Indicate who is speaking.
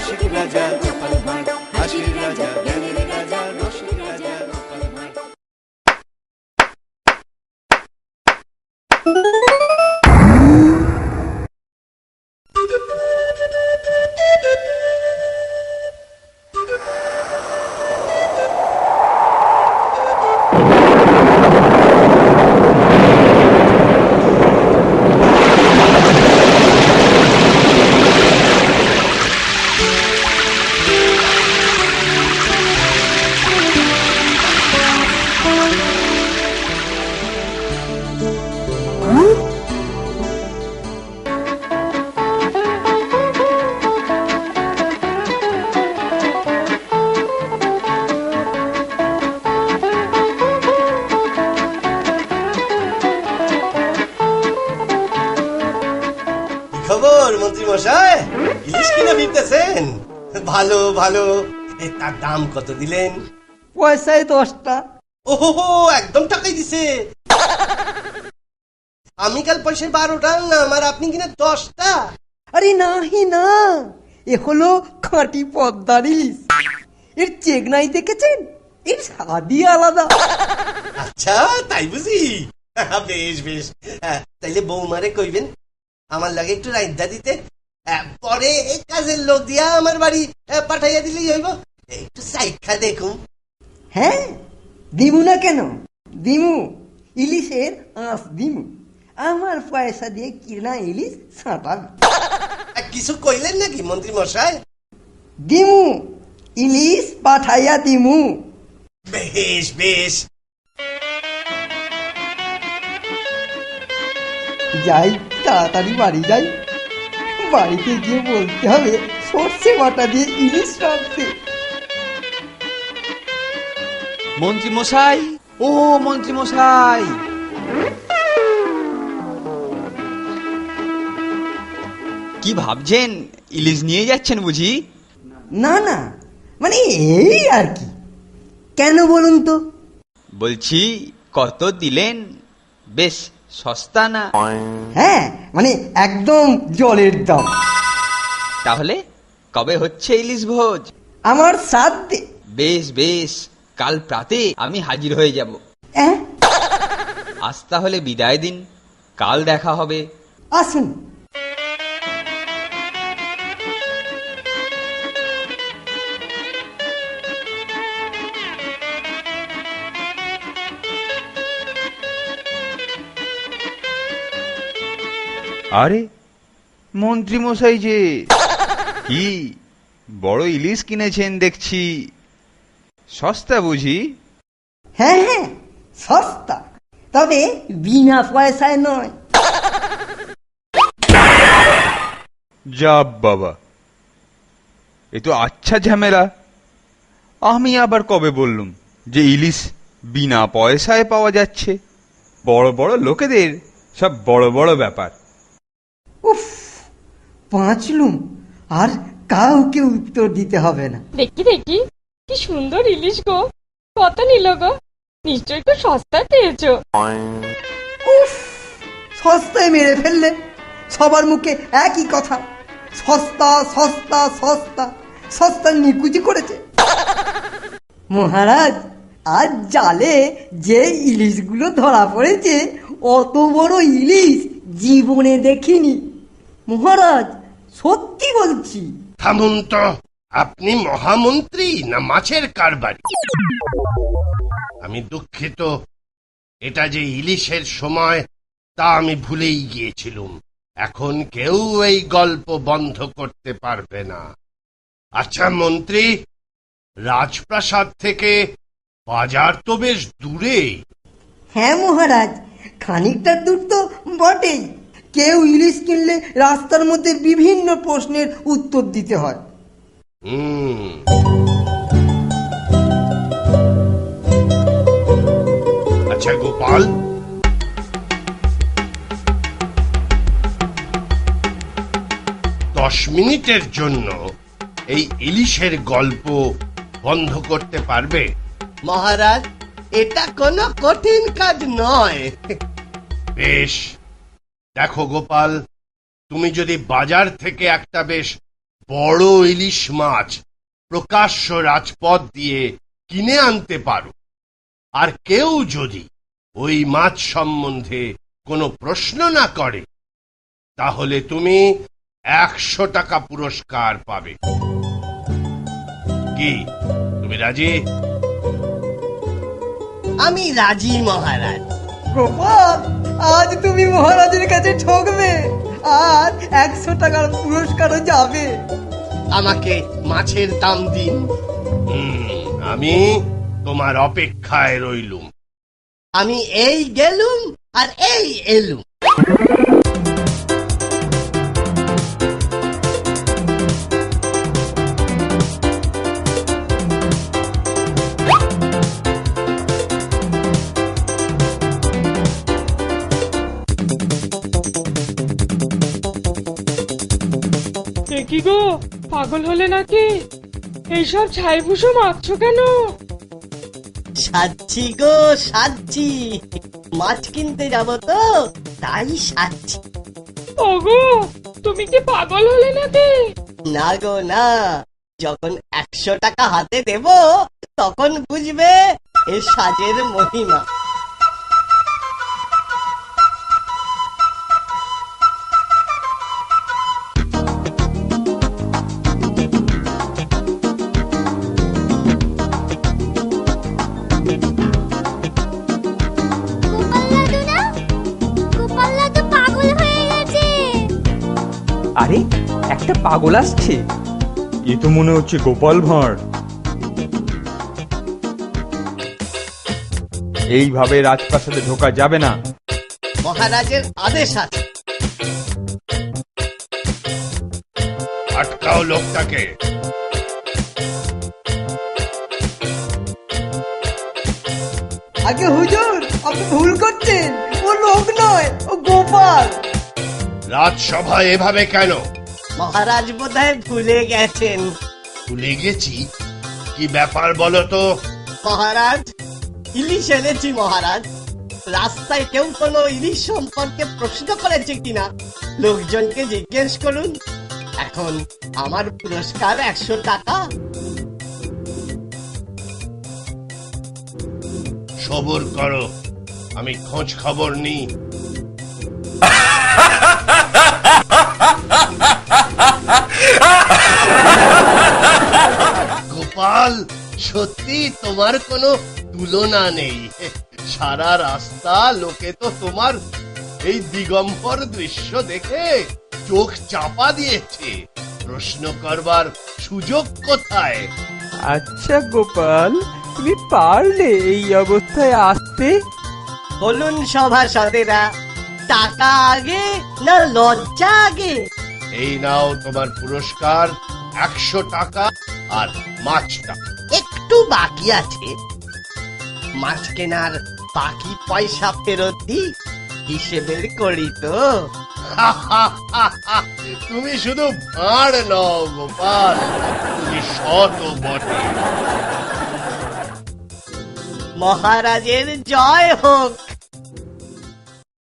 Speaker 1: রসিক রাজা গোপাল ভাঁড়, হাসির রাজা জ্ঞানের রাজা রসিক রাজা গোপাল ভাঁড়।
Speaker 2: খবর মন্ত্রী মশাই, ইলিশ কিনে ফিরতেছেন? ভালো ভালো। তার দাম কত দিলেন?
Speaker 3: পয়সায় 10টা।
Speaker 2: ওহো, একদম টাকাই দিছে। আমি কাল পয়সায় 12টা আনলাম আর আপনি কিনা 10টা।
Speaker 3: আরে নাহি না, এ হলো খাঁটি পদ্মার ইলিশ। এর চেকনাই দেখেছেন? এর স্বাদই আলাদা।
Speaker 2: আচ্ছা তাই বুঝি? বেশ বেশ, তাইলে বৌমারে কইবেন আমার লাগে একটু রাইন্দা দিতে, পরে কাজের লোক দিয়া আমার বাড়ি পাঠাইয়া দিলেই হইব। একটু সাইখা দেখুন।
Speaker 3: হ্যাঁ, দিমু না কেন? দিমু, ইলিশের আঁশ দিমু। আমার পয়সা দিয়ে কিনা ইলিশ ছাঁটাবে।
Speaker 2: কিছু কইলেন নাকি মন্ত্রী মশাই?
Speaker 3: দিমু, ইলিশ পাঠাইয়া দিমু।
Speaker 2: বেশ বেশ।
Speaker 3: যাই, তাড়াতাড়ি বাড়ি যাই। বাড়িতে গিয়ে বলতে হবে সর্ষে বাটা দিয়ে ইলিশ রাখতে।
Speaker 4: মন্ত্রী মশাই, ও মন্ত্রী মশাই, কি ভাবছেন? ইলিশ নিয়ে যাচ্ছেন বুঝি?
Speaker 3: না না, মানে এই আর কি। কেন বলুন তো?
Speaker 4: বলছি কত দিলেন? বেশ সস্তা না?
Speaker 3: হ্যাঁ, মানে একদম জলের দাম।
Speaker 4: তাহলে কবে হচ্ছে ইলিশ ভোজ?
Speaker 3: আমার সাধ্যে।
Speaker 4: বেশ বেশ, কাল প্রাতে আমি হাজির হয়ে যাব। আজ তাহলে বিদায় দিন, কাল দেখা হবে।
Speaker 3: আসুন।
Speaker 5: আরে মন্ত্রী মশাই যে, কি বড় ইলিশ কিনেছেন দেখছি। সস্তা বুঝি?
Speaker 3: হ্যাঁ হ্যাঁ, সস্তা, তবে বিনা পয়সায় নয়।
Speaker 5: যা বাবা, এ তো আচ্ছা ঝামেলা। আমি আবার কবে বললুম যে ইলিশ বিনা পয়সায় পাওয়া যাচ্ছে? বড় বড় লোকেদের সব বড় বড় ব্যাপার।
Speaker 3: উফ, পাঁচলুম, আর কাউকে উত্তর দিতে হবে না।
Speaker 6: দেখি দেখি, কি সুন্দর ইলিশ গো! কত নিল গো? নিশ্চয়ই খুব সস্তায় পেয়েছো।
Speaker 3: উফ, সস্তায় মেরে ফেললে। সবার মুখে একই কথা, সস্তা সস্তা সস্তা। সস্তা নিকুচি করেছে মহারাজ। আজ জালে যে ইলিশগুলো ধরা পড়েছে, অত বড় ইলিশ জীবনে দেখিনি মহারাজ, সত্যি বলছি।
Speaker 2: থামুন তো, আপনি মহামন্ত্রী না মাছের কারবারি? আমি দুঃখিত, এটা যে ইলিশের সময় তা আমি ভুলেই গিয়েছিলুম। এখন কেউ এই গল্প বন্ধ করতে পারবে না। আচ্ছা মন্ত্রী, রাজপ্রাসাদ থেকে বাজার তো বেশ দূরে।
Speaker 3: হ্যাঁ মহারাজ, খানিকটা দূর তো বটেই। কেউ ইলিশ কিনলে রাস্তার মধ্যে বিভিন্ন প্রশ্নের উত্তর দিতে হয়।
Speaker 2: আচ্ছা গোপাল, 10 মিনিটের জন্য এই ইলিশের গল্প বন্ধ করতে পারবে? মহারাজ, এটা কোনো কঠিন কাজ নয়। বেশ, দেখো গোপাল, তুমি যদি বাজার থেকে একটা বেশ বড় ইলিশ মাছ প্রকাশ্য রাজপথ দিয়ে কিনে আনতে পারো, আর কেউ যদি ওই মাছ সম্বন্ধে কোনো প্রশ্ন না করে, তাহলে তুমি 100 টাকা পুরস্কার পাবে। কি তুমি রাজি?
Speaker 7: আমি রাজি মহারাজ।
Speaker 3: গোপাল, আজ তুমি মহারাজের কাছে ঠকবে, আর 100 টাকার পুরস্কারও যাবে।
Speaker 7: আমাকে মাছের দাম দিন।
Speaker 2: আমি তোমার অপেক্ষায় রইলুম।
Speaker 7: আমি এই গেলুম আর এই এলুম।
Speaker 6: কি গো, পাগল হলে নাকি? এইসব ছাইভুষো মাখছো কেন?
Speaker 7: সাজছি গো, সাজছি। মাছ কিনতে যাব তো, তাই সাজছি।
Speaker 6: ওগো, তুমি কি পাগল হলে নাকি?
Speaker 7: না গো না, যখন 100 টাকা হাতে দেব, তখন বুঝবে এ সাজের মহিমা।
Speaker 8: আরে, একটা পাগল আসছে।
Speaker 5: এ তো মনে হচ্ছে গোপাল ভাঁড়। এইভাবে রাজপ্রাসাদে ঢোকা যাবে না।
Speaker 7: মহারাজের আদেশ আছে।
Speaker 2: আটকাও লোকটাকে।
Speaker 3: আগে হুজুর, আপনি ভুল করছেন, ও লোক নয়, ও গোপাল।
Speaker 2: রাজসভায় এভাবে কেন?
Speaker 7: মহারাজ বোধহয় ভুলে গেছেন।
Speaker 2: ভুলে গেছি? কি ব্যাপার বলো তো?
Speaker 7: মহারাজ, ইলিশ এনেছি মহারাজ। রাস্তায় কেউ কোনো ইলিশ সম্পর্কে প্রশ্ন করেছে কিনা লোকজনকে জিজ্ঞেস করুন। এখন আমার পুরস্কার 100 টাকা।
Speaker 2: সবর করো, আমি খোঁজ খবর নিই। গোপাল, সত্যি তোমার কোনো তুলনা নেই। সারা রাস্তা লোকে তো তোমার এই দিগম্বর দৃশ্য দেখে চোখ চাপা দিয়েছে। প্রশ্ন করবার সুযোগ কোথায়?
Speaker 8: আচ্ছা গোপাল, তুমি পারলে এই অবস্থায় আসতে?
Speaker 7: বলুন সভাসদেরা, টাকা আগে না লজ্জা আগে?
Speaker 2: এই নাও তোমার পুরস্কার, 100 টাকা আর মাছটা।
Speaker 7: একটু বাকি আছে, মাছ কেনার বাকি পয়সা ফেরত দিই, হিসেবের করি তো।
Speaker 2: তুমি শুধু ভাঁড় নও গোপাল, তুমি শত বটে।
Speaker 7: মহারাজের জয় হোক।